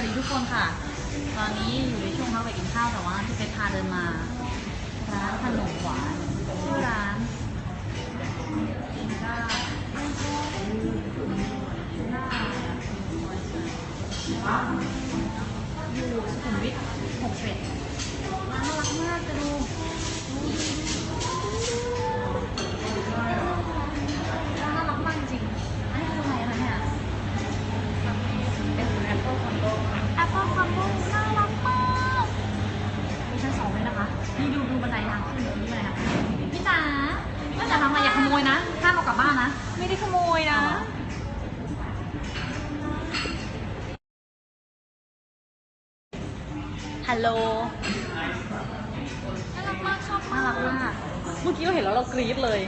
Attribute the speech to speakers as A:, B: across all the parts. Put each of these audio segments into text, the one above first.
A: ดีทุกคนค่ะ ตอนนี้อยู่ในช่วงพักไปกินข้าวแต่ว่าที่ไปพาเดินมาร้านขนมหวานชื่อร้านอินกาอยู่สุขุมวิท61ร้านน่ารักมากจะดูร้านน่ารักมากจริงอันนี้คืออะไรคะเนี่ยเป็นแอปเปิลคอมโบน่ารักมากมีชั้น2เลยนะคะนี่ดูบันไดทางขึ้นนี่เลยค่ะพี่จ๋าทำอะไรอย่าขโมยนะห้ามเอากลับบ้านนะไม่ได้ขโมยนะฮัลโหลน่ารักมากชอบน่ารักมากเมื่อกี้เราเห็นแล้วเรากรี๊ดเลย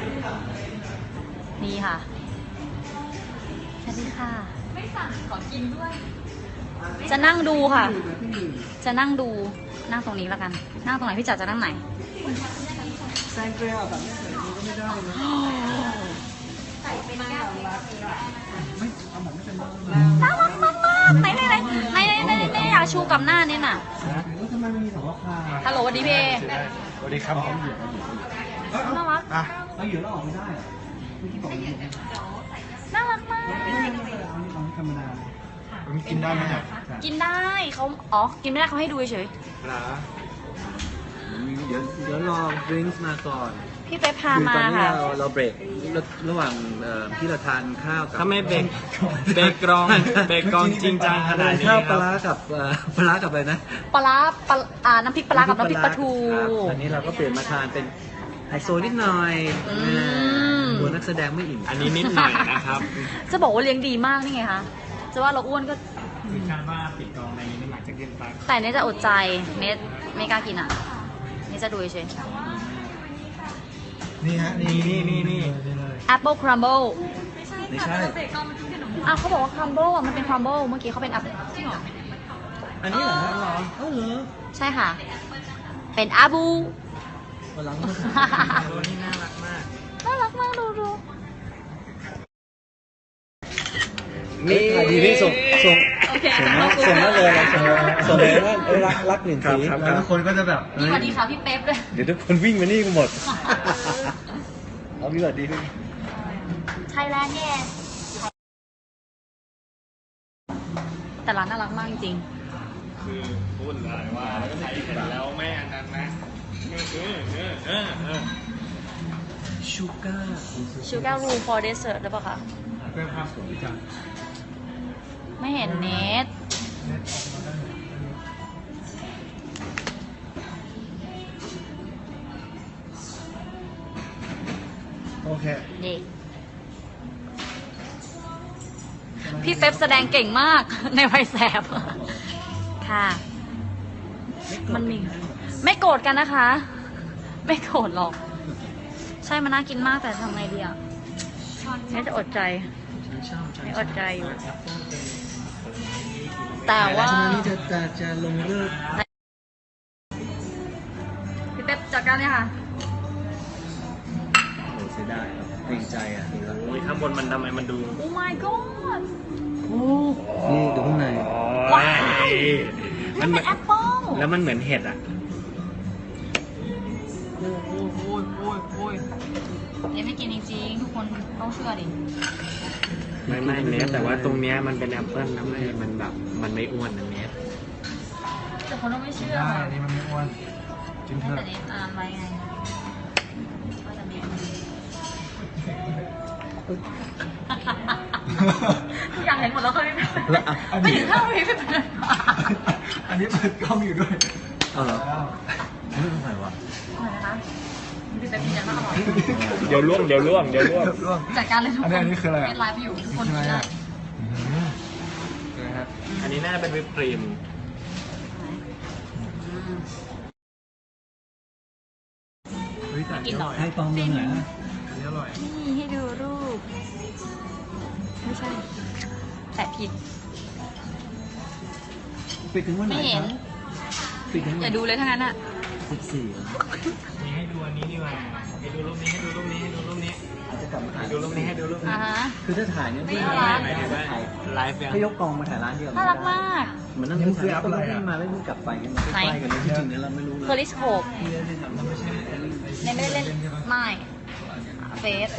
A: นี่ค่ะสวัสดีค่ะไม่สั่งขอกินด้วยจะนั่งดูค่ะจะนั่งดูนั่งตรงนี้แล้วกันนั่งตรงไหนพี่จ๋าจะนั่งไหน
B: แซงเกลียวแบบนี้ก็ไม่ได้นะ
A: ใส่เป็นแก้ว
B: ไม่เอาแบบไม่เป็นบ้าง
A: น่ารักมากไหนอยากชูกับหน้าเนี่ยน่ะ
B: แล้วทำไมมันมีสองราคา
A: ฮัลโหลสวัสดีเพ
C: สวัสดีครับ
A: น่ารัก
B: เราอยู่แล้วออกไม่ได้เมื่อกี้บอกอยู่
A: น่ารักมาก
B: เอาธรรมดา
C: มันกินได้ไหมเนี่ย
A: กินได้เขากินไม่ได้เขาให้ดูเฉย
C: นะ
B: เดี๋ยวรอดริงก์มาก่อน
A: พี่ไปพามาค่ะ
B: ตอนนี้เราเบรกระหว่างที่เราทานข้าวกับ
C: ถ้าไม่เบรกกรองจริงจังขนาดนี้
B: ข้าวปลากับอะไรนะ
A: ปลาน้ำพริกปลากับน้ำพริกปลาทู
B: อันนี้เราก็เปลี่ยนมาทานเป็นไฮโซนิดหน่อยตัวนักแสดงไม่อิ่ม
C: อันนี้นิดหน่อยนะครับ
A: จะบอกว่าเลี้ยงดีมากนี่ไงคะจะว่าเราอ้วนก็
C: คือการว่าปิดกรองในนี้น้ำหนักจะขึ้นไป
A: แต่เนทจะอดใจเนทไม่กล้ากินอ่ะเนทจะดูเฉย
B: นี่ฮะนี่
A: Apple Crumble
B: ไม่ใช่
A: เขาบอกว่า Crumble อ่ะมันเป็น Crumble เมื่อกี้เขาเป็น Apple
B: อันนี้เหรอเหรอ
A: ใช่ค่ะเป็นอาบู
B: วันหลัง
C: ตัวนี้น่ารักมาก
A: ดู
B: นี่ดีนี่ส่งนั่นเลยส่งเลยนั่นรักหนึ่งสีแล้วทุกคนก็จะแบบ
A: นี่สวัสดีค่ะพี่เป๊ปเลย
B: เดี๋ยวทุกคนวิ่งมานี่กันหมดเอาพี่สวัสดีพี่
A: ไทยแลนด์เนี่ยแต่ร้านน่ารักมากจริง
C: คือพูดเลยว่าใช้เสร็จแล้วไม่อันนั้นนะ
B: ชู
A: การ์รูฟอร์เดสเซอร์ได้ปะคะ
C: เรื่องภาพสวยจัง
A: ไม่เห็นเนท
B: โอเค
A: นี่พี่เป๊ปแสดงเก่งมากในวัยแสบค่ะมันมีไม่โกรธกันนะคะไม่โกรธหรอกใช่มันน่ากินมากแต่ทำไงดีอ่ะนี่จะอดใจไม่อดใจอยู่แต่ว่า
B: นี่จะลงเลิก
A: พี่เป๊ปจัดการเลยค่ะ
B: โอ้เสียดายเกรงใจอ่ะ
C: โอ้ยข้างบนมันทำไมมันดู
A: โอ้ my god
B: นี่ดูข้างใน
A: ว้าวมันเป็นแอปเปิ้ล
C: แล้วมันเหมือนเห็ดอ่ะ
A: โอ้ยเนี่ยไม่กินจริงๆทุกคนต้องเชื่อดิ
C: ไม่เนสแต่ว่าตรงเนี้ยมันเป็นแอปเปิ้ลนะมันแบบมันไม่อ้วนนะเนส
A: แต่คนต้องไม่เชื่อ
B: อันนี้มันไม่อ้วน
A: จริงเถอะแต่นี่อ่านไว้ไงว่าจะมีทุกอย่างเห็นหมดแล้วเคยไม่ถึงข้าวไม่เป็น
B: อันนี้เปิดกล้องอยู่ด้วยเอาเหรอไม่เป็นไรวะ
A: นะคะพี่เป็นยังไงบ้าง
C: เดี๋ยวล่วง
A: จัดการเลยทุกคน
B: อันนี้คืออะไร
A: ไลฟ์อยู่ทุกคนได้
C: อันนี้น่าเป็นวิปครีม
B: ให้ตองเมืองไหนนะ
C: อันนี้อร่อย
A: นี่ให้ดูรูปไม่ใช่แต่ผิด
B: ปิดถึงวันไหน
A: ไม่เห็นอย่าดูเลยทั้งนั้นอ่ะ
B: 14
C: นี่ให้ดูอันนี้ดีกว่าให้ดูรูปนี้อาจจะกลับมาถ่ายดูรูปนี้คือถ้าถ่ายเนี่ยไม่ไลฟ์
B: ให้ยกกองมาถ่ายร้านเดียว
A: น่ารักมาก
B: มันนั่งคืออัพอะไรอ่ะมาไม่พูดกลับไปกันมันใกล้กันเลยจริงๆเนี่ยเราไม่รู้เลย
A: เพอริสโคปในไม่ได้เล่นไม่เฟส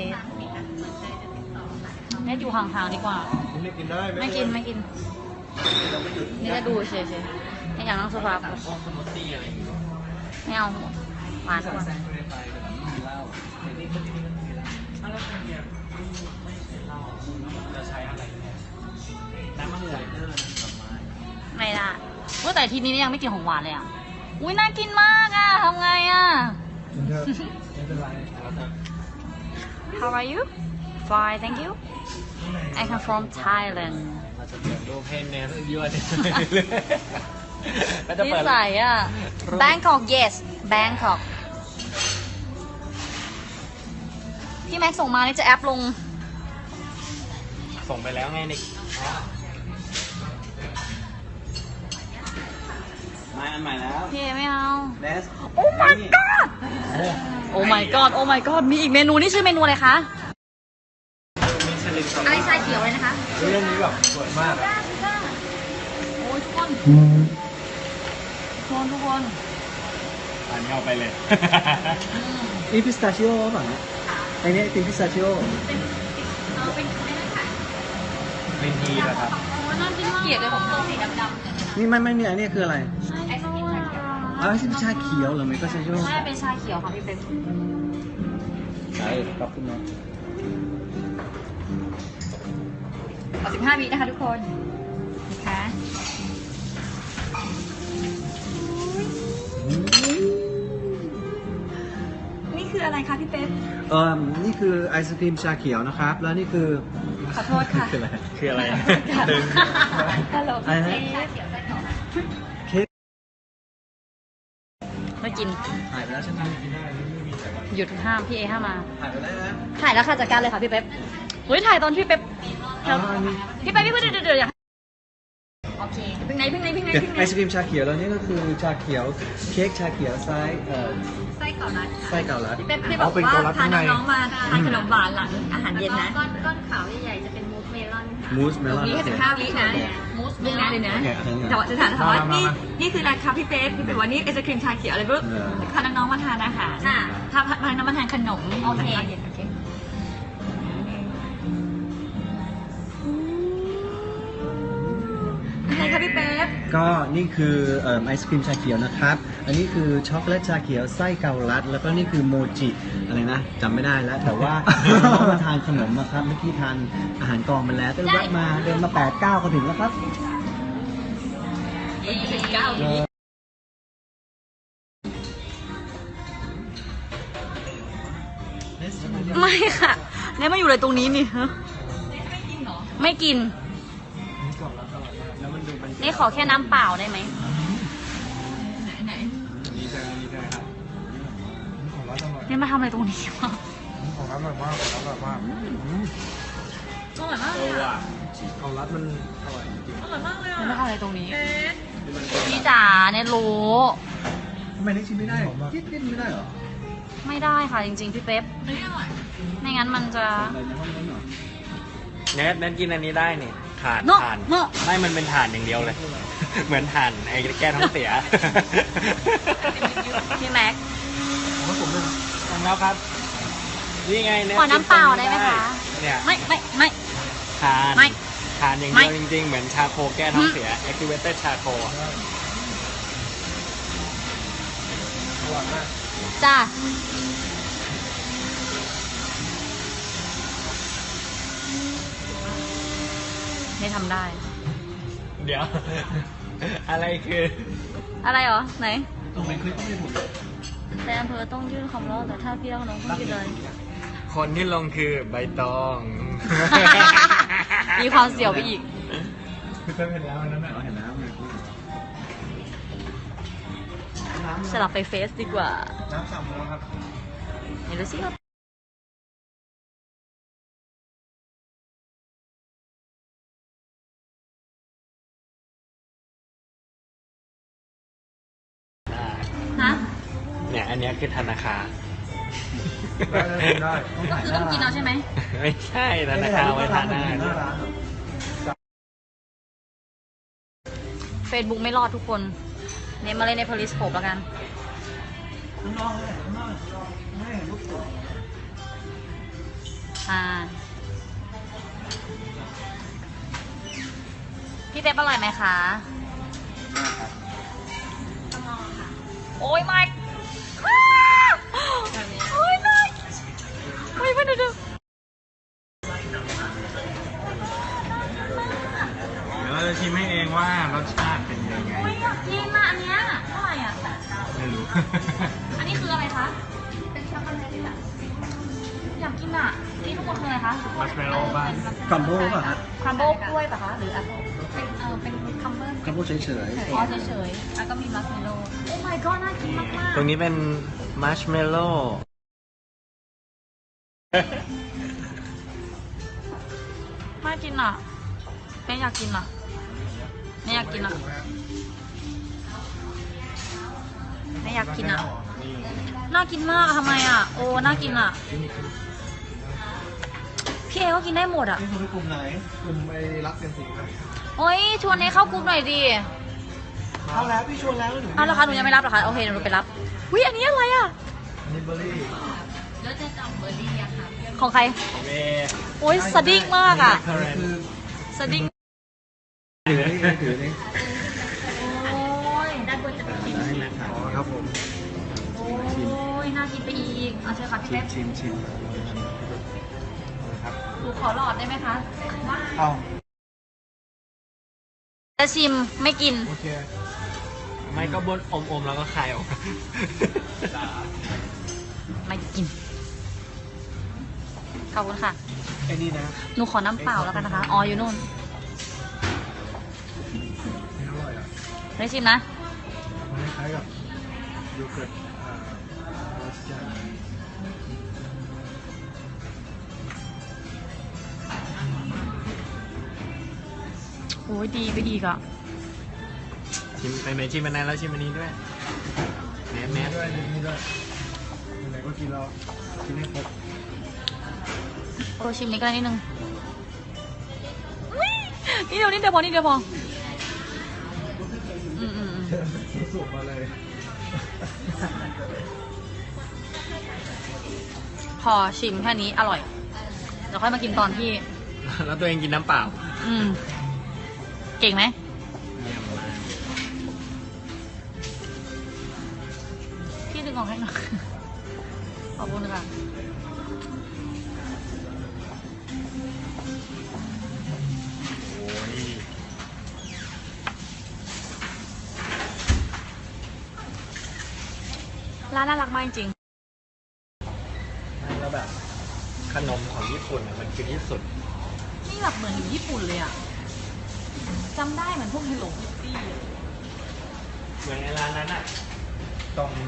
A: เนี่ยอยู่ห่างๆดีกว่า
B: ไม่กินได้
A: ไม่กินนี่จะดูเฉยๆไม่อยากนั่งโซฟาไม่เอาหวานกว่าไม่ได้เมื่อแต่ทีนี้ยังไม่กินของหวานเลยอ่ะอุ้ยน่ากินมากอ่ะทำไงอ่ะ How are you? Fine, thank you. I come from Thailand.
C: เราจะเปิดรูปให้เนสยั่วดิ
A: นิสัยอ่ะ Bangkok yes Bangkok พี่แม็กส่งมานี่จะแอปลง
C: ส่งไปแล้วไงนิก
B: มาอันใหม่แล้ว
A: พี่ไม่เอา
B: เนส
A: Oh my god Oh my god Oh my god มีอีกเมนูนี่ชื่อเมนูอะไรคะ อะไรชาเขียวเลยนะคะ
B: เรื่องนี้แบบสวยมาก
A: โอ้ยทุกคนทุกคน
C: อันนี้เอาไปเลย
B: นี่พิสตาชิโอป่ะเนี่ยไอเนี้ยเป็นพิสตาชิโอ
C: เป็นทีเหรอครับ
A: เกลียดเลยผมตัวสีดำ
B: นี่ไม่เนี่ยอันนี้คืออะไร
A: ๆไอศกรีมชาเขียว
B: อ๋อชาเขียวเหรอไม่ก็ชาชิโอ
A: ใช่เป็นชาเขียวค่ะพี่เป๊ก
B: ใช่ขอบคุณนะ
A: เอา15 วินะคะทุกคนนะคะนี่คืออะไรคะพี่เป๊ก
B: นี่คือไอศครีมชาเขียวนะครับ แล้วนี่คือ
A: ขอโทษค่ะ
B: คืออะไร
C: คืออะไร
A: ดึ
C: ดึ
A: ง
C: ง
A: ตลก
B: อะไรนะ เค้ก
A: ไม่กิน
B: ถ่ายไปแล้วใช่ไหม
A: หยุดห้ามพี่เอห้ามมา
B: ถ่ายไปแล้วนะ
A: ถ่ายแล้วค่ะจัดการเลยค่ะพี่เป๊ปเฮ้ยถ่ายตอนพี่เป๊ป
B: อ๋ออันนี้
A: พี่เป๊ปพี่เป๊ปเดี๋ยวอยากโอเคพึ่งไหน
B: ไอศครีมชาเขียวแล้วนี่ก็คือชาเขียวเค้กชาเขียวไส้ไส้เก่าลัด
A: พี่เป๊ปพี่บอกว่าพาน้องๆมาทานขนมหวานหลังอาหารเย็นนะ
D: ก้อนขาวใหญ่ๆจะเป็นมูสเมลอนค่ะ
B: มูสเมลอน
D: นี่
B: โอ
D: แค่
B: เค
D: 15 วินะมูสเมลอนเลยนะ
B: โอเคเอา
D: แต่ว่าจะถามว่านี่คืออะไรคะพี่เป๊ปพี่เป๊ปว่านี่ไอศครีมชาเขียวอะไรปุ๊บพาน้องๆมาทานอาหาร
A: ค่ะ
D: พาน้องๆมาทานขนม
A: โอเค
D: เย็นโอเค
A: อะไรคะพี่เป๊ป
B: ก็นี่คือไอศครีมชาเขียวนะครับ อันนี้คือช็อกโกแลตชาเขียวไส้เกาลัด แล้วก็นี่คือโมจิอะไรนะจำไม่ได้แล้ว แต่ว่า เรามาทานขนมนะครับ เมื่อกี้ทานอาหารกองมาแล้วก็แวะมาเดินมา8-9ก็ถึงแล้วครับ
A: ไม่ค่ะเนี่ยมาอยู่เลยตรงนี้นี่ฮะไม่กินนี่ขอแค่น้ำเปล่าได้ไหม
C: นี่ใช่ครับ
A: เนี่ยมาทำอะไรตรงนี้วะ
B: ของร้านอร่อยมากของร้านอร่อยมาก
A: อร่อยมากเลยอ่ะ
B: ของร้านมันอร่อยจริง
A: เนี่ยมาทำอะไรตรงนี้พี่จ๋าเนี่ยรู้
B: ทำไมนี่ชิมไม่ได้คิดไม่ได้เหรอ
A: ไม่ได้ค่ะจริงๆพี่เป๊ปไม่งั้นมันจะ
B: อะไรในห้องนั้นเหรอ
C: เนสกินอันนี้ได้นี่ถ่าน
A: เนอะ
C: ถ่าน
A: เนอะ
C: ไม่มันเป็นถ่านอย่างเดียวเลย เหมือนถ่านไอ้แก้ท้องเสีย
A: พี่แม็ก
B: ผมเลย
C: ทำแล้วครับ นี่ไงเนส
A: ขอน้ำเปล่าได้ไหมคะ
C: เนี่ย
A: ไม่
C: ทาน
A: ไม่
C: ทานอย่าง
A: ไม่
C: เดียวจริงๆ เหมือนชาโคแก้ท้องเสีย activated ชาโค
A: จ้าไม่ทำได้
C: เดี๋ยว อะไรคือ
A: อะไรเหรอ ไหน
B: ตรงไหนคลิปไม่ถูก
A: แต่อำเภอต้องยื่นคำร้องแต่ถ้าพี่ต้องน้องต้องยื่นเลย
C: คนที่ลงคือใบตอง
A: มีความเสียวไปอีก
C: คือเห็นแล้วนั่นแหละ
B: เห็นแล้ว
A: สลับไปเฟซดีกว่า
B: น้ำสั่งแล้วครับ
A: เดี๋ยวดูสิครับฮะ
C: เนี่ยอันเนี้ยคือธนาคาร
B: ได้
A: ก็คือต้องกินเอาใช่ไหม
C: ไม่ใช่ธนาคารไว้ทานอาหาร
B: หน้าร้าน
A: Facebook ไม่รอดทุกคน เนี่ยมาเล่นใน Periscope แล้วกัน
B: ข้างนอกเลยข้างนอกไม่ลูกสุด
A: พี่เป๊ปอร่อยไหมคะ โอ้ยไม่โอ้ยไม่โอ้ยไม่ดู
C: เดี๋ยวเราจะชิมให้เองว่ารสชาติเป็นยังไง
A: โอ้ยอยากกินอ่ะอันเนี้ยเท่าไหร่อ่ะ
C: ไม่รู้
A: อันนี้คืออะไรคะ เป็นช็อกโกแลตอ่ะอยากกินอ่ะ นี่ทุกคนคืออะไรคะ
C: มัชเมลโล่บ้าง
B: กัมโบ้ป่ะฮะ
A: ครัมโบิลกล้วยป่ะคะ หรืออะไรเป็นคัมเบิล
B: กัมโบ้เฉย
A: อ๋อเฉยๆแล้วก็มีมัสเมลโล่โอ้ my god น่ากินมากๆ
C: ตรงนี้เป็นมัชเมลโล่
A: น่ากินอ่ะไม่อยากกินอ่ะไม่อยากกินอ่ะไม่อยากกินอ่ะ น่ากินมากอะทำไมอ่ะ โอ้ น่ากินอ่ะ พี่เอก็กินได้หมดอ่ะ
B: ๆนี่คือกลุ่มไหนกลุ่มไอ้รักเซนสิงครับ
A: โอ้ยชวนให้เข้ากรุ๊ปหน่อยดิ
B: เอาแล้วพี่ชวนแล้วหนู
A: อ้าวเหรอคะหนูยังไม่รับเหรอคะ โอเคหนูไปรับวิอันนี้อะไรอ่ะ
B: นิเบอรี่
D: แล้วจะจำเบอร์รี่อะค่ะ
A: ของใคร
C: เว
A: โอ้ยสดิ้งมากอ่ะ
B: อันนี้คือ
A: สดิ้ง
B: ถือนี่ถือนี่
A: โอ้ย
D: ด้านบนจะเป็น
B: ได้นะครับอ๋อครับผม
A: โอ้ย น่ากินไปอีก เอาเชิญค่ะพี่เป๊ป
B: ชิม
A: หนูขอหลอดได้ไหมคะ
B: เอา
A: จะชิมไม่กิน
B: โอเค
C: ไม่ก็บนอมๆแล้วก็คายออก
A: ไม่กิน ขอบคุณค่ะ
B: ไอ้นี่นะ
A: หนูขอน้ำเปล่าแล้วกันนะคะ อ๋อ อยู่นู่น
B: ไม่อร่อยอ่ะ
A: ได้ชิมนะ
B: มันคล้ายกับโยเกิร์ตรสจัด
A: โอ้ยดีไปอีกอ่ะ
C: ชิมไปไหนชิมอันนั้นแล้วชิมอันนี้ด้วยแมส
B: นี่ด้วยนี่ด้วยไหนๆก็กินแล้วกินให้ครบ
A: โอ้ชิมนี้ก็ได้นิดนึงอุ๊ยนิดเดียวนิดเดียวพอนิดเดียวพอ อืม
B: สุกมาเลย
A: พอชิมแค่นี้อร่อย เดี๋ยวค่อยมากินตอนที่
C: แล้วตัวเองกินน้ำเปล่า
A: อืม เก่งไหม พี่ดึงออกให้หน่อย ขอบคุณค่ะ
C: โอ้ย
A: ร้านน่ารักมากจริง
C: แล้วแบบขนมของญี่ปุ่นอะมันคือที่สุด
A: ๆนี่แบบเหมือนอยู่ญี่ปุ่นเลยอ่ะจำได้เหมือนพวกเฮลโลคิตตี้
C: เหมือนในร้านนั้นอะตรง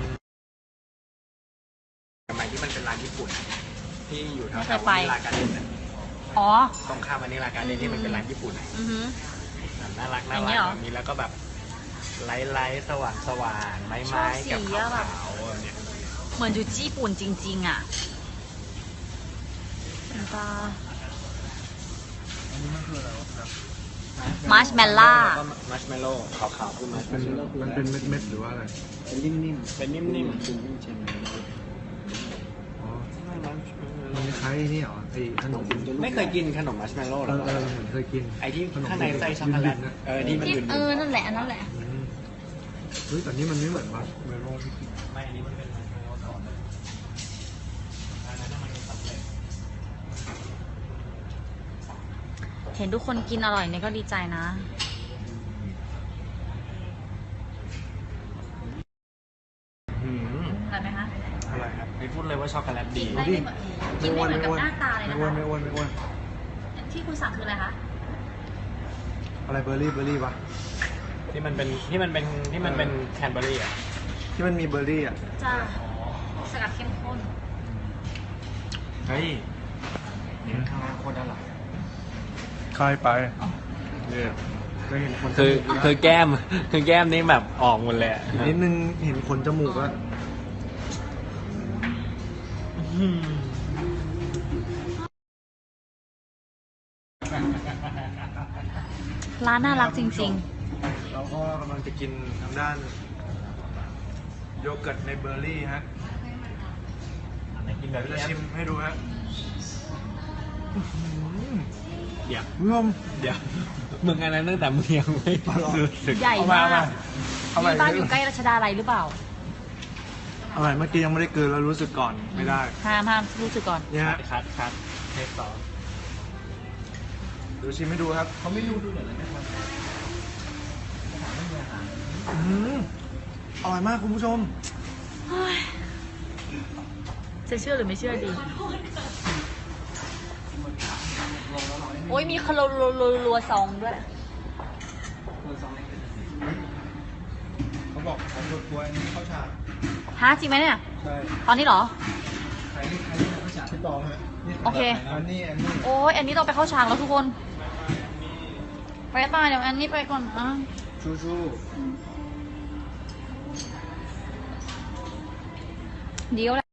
C: สมัยที่มันเป็นร้านญี่ปุ่นอะที่อยู่แถวๆวานิลาการ์เด้นอะ
A: อ๋อ
C: ตรงข้ามวานิลาการ์เด้นที่มันเป็นร้านญี่ปุ่นอะ
A: อือฮึ
C: น่ารัก
A: อ
C: น่า
A: ย่าง
C: รั
A: เงี้
C: ก
A: ยเหรอ
C: แบบนี้แล้วก็แบบไลท์สว่างไม้
A: ชอบสี
C: กับ
A: อะ
C: ขาว
A: แบบ
C: ๆแบบเนี้ย
A: เหมือนอยู่ญี่ปุ่นจริง ๆ อ่ะตา
B: อันนี้มันคืออะไรวะครับ
A: มาร์ชเมลล่า
C: แล้วก็มัชเมลโล่ขาวๆคือมัชเม
B: เป็น
C: ลโล่
B: มันเป็นเม็ดๆหรือว่าอะไร เป็นนิ่ม
C: เป็นนิ่ม
B: ๆ
C: ๆ
B: เป็นนิ่มเชนอ๋อมันคล้ายๆนี่เหรอไอ้ขนม
C: ไม่เคยกินขนมมัชเมลโล่หรอ
B: เหมือนเคยกิน
C: ไอที่ข้างในไส้ช็อกโกแลต
B: นะ
C: ที่มัน
A: ที่
C: ยืน
A: นั่นแหละอันนั้นแหละ
B: เฮ้ยแต่นี่มันไม่เหมือนมัชเมลโล่ที่กิน
C: ไม่อันนี้มันเป็นมัชเมลโล่ก่อนอันนั้นมันเป็นสำเร็จ
A: เห็นทุกคนกินอร่อยเนี่ยก็ดีใจนะ อร่อยไหมคะ
C: อะไรครับไม่พูดเลยว่าช็อกโกแลตดี
A: กินได้ไม่เหมือนกินได้เหมือนกับหน้าตาเลยนะ
B: ไม่อ้วน
A: คะ
B: ไม่อ้วนไม่อ้วน
A: ที่คุณสั่งคืออะไรคะ
B: อะไรเบอร์รี่ปะ
C: ที่มันเป็นแคนเบอร์รี่อ่ะ
B: ที่มันมีเบอร์รี่อ่ะ
A: จ้าสกัดเข้มข้น
C: เฮ้ยนี่ข้างล่างโคตรอร่อย
B: คายไปเนี่ยก็เห็นคน
C: คือแก้มคือแก้มนี่แบบออกหมดเลยอะ
B: นิดนึงเห็นคนจมูกอะ
A: ร้านน่ารักจริง
B: เรา
E: เราก็กำลังจะกินทางด้านโยเกิร์ตในเบอร์รี่ฮะ
B: ไหนกินแบบ
E: จะ
B: นี้
E: ชิมให้ดูฮะ
C: เดี๋ยว
E: คุณผู้ชม
C: เดี๋ยวมึงอันนั้นตั้งแต่มึงยังไม่รู้สึก
A: ใหญ่
E: เอามาม
A: าก
E: เอามา
A: นี่บ้านอยู่ใกล้รัชดาลัยหรือเปล่า
E: อร่อยเมื่อกี้ยังไม่ได้กลืนแล้วรู้สึกก่อนไม่ได้
A: ห้ามรู้สึกก่อน
E: เนี่ยฮะ
C: คัดเทปสอง
E: ดูชิมให้ดูครับ
B: เขาไม่รู้ดูหน่อยนะครับไม่มีอาหาร
E: อร่อยมากคุณผู้ชม
A: จะเชื่อหรือไม่เชื่อดี โอ้ยมีคาราลัวซองด้วย
E: เขาบอกของรถทัวร์อันนี้เข้าฉาก
A: ฮะจริงไหมเนี่ย
E: ใช่
A: ตอนนี้เหรอ
E: ใครนี่เข้าฉากพี่ตองฮะ
A: โอเค
E: อันนี้
A: โอ้ยอันนี้ต้องไปเข้าฉากแล้วทุกคน ไปตายเดี๋ยวอันนี้ไปก่อนนะ
E: ชู
A: เดี๋ยว